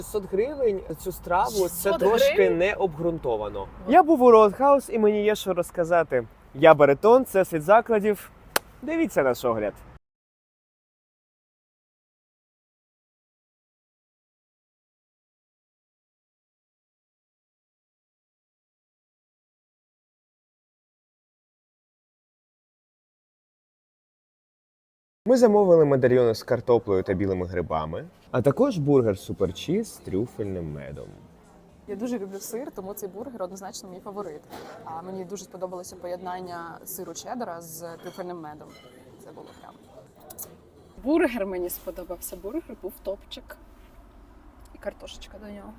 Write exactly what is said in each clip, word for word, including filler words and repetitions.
шістсот гривень за цю страву це шістсот трошки гривень? не обґрунтовано. Я був у Роудхаус і мені є що розказати. Я Баритон, це світ закладів. Дивіться наш огляд. Ми замовили медальйони з картоплею та білими грибами, а також бургер суперчіз з трюфельним медом. Я дуже люблю сир, тому цей бургер однозначно мій фаворит. А мені дуже сподобалося поєднання сиру чеддера з трюфельним медом. Це було прям. Бургер мені сподобався. Бургер був топчик. І картошечка до нього.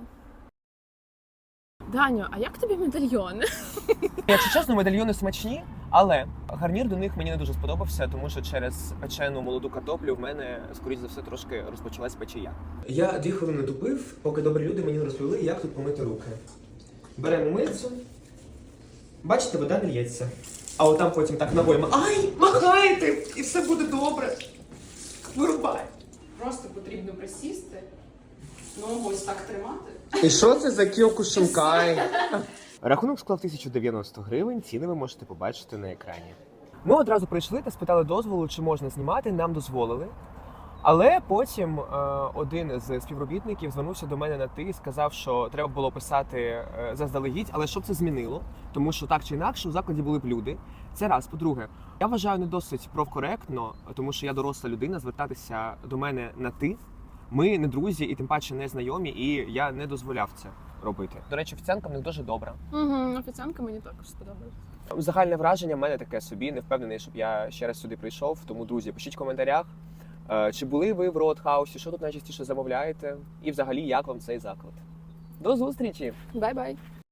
Даню, а як тобі медальйони? Якщо чесно, медальйони смачні, але гарнір до них мені не дуже сподобався, тому що через печену молоду картоплю в мене, скоріш за все, трошки розпочалась печія. Я дві хвилини тупив, поки добрі люди мені розповіли, як тут помити руки. Беремо мильцю. Бачите, вода не лється. А отам потім так ногою ай, махаєте, і все буде добре. Вирубай. Просто потрібно присісти, ногу ось так тримати. І що це за Кіокушинкай? Рахунок склав тисячу дев'яносто гривень, ціни ви можете побачити на екрані. Ми одразу прийшли та спитали дозволу, чи можна знімати, нам дозволили. Але потім е, один з співробітників звернувся до мене на ти і сказав, що треба було писати е, заздалегідь, але щоб це змінило, тому що так чи інакше у закладі були б люди. Це раз. По-друге, я вважаю не досить профкоректно, тому що я доросла людина, звертатися до мене на ти. Ми не друзі і тим паче не знайомі, і я не дозволяв це робити. До речі, офіціантка в них дуже добра. Угу, офіціантка мені також сподобалась. Загальне враження в мене таке собі, не впевнений, щоб я ще раз сюди прийшов. Тому, друзі, пишіть в коментарях, е, чи були ви в Роудхаусі, що тут найчастіше замовляєте, і взагалі, як вам цей заклад. До зустрічі! Бай-бай!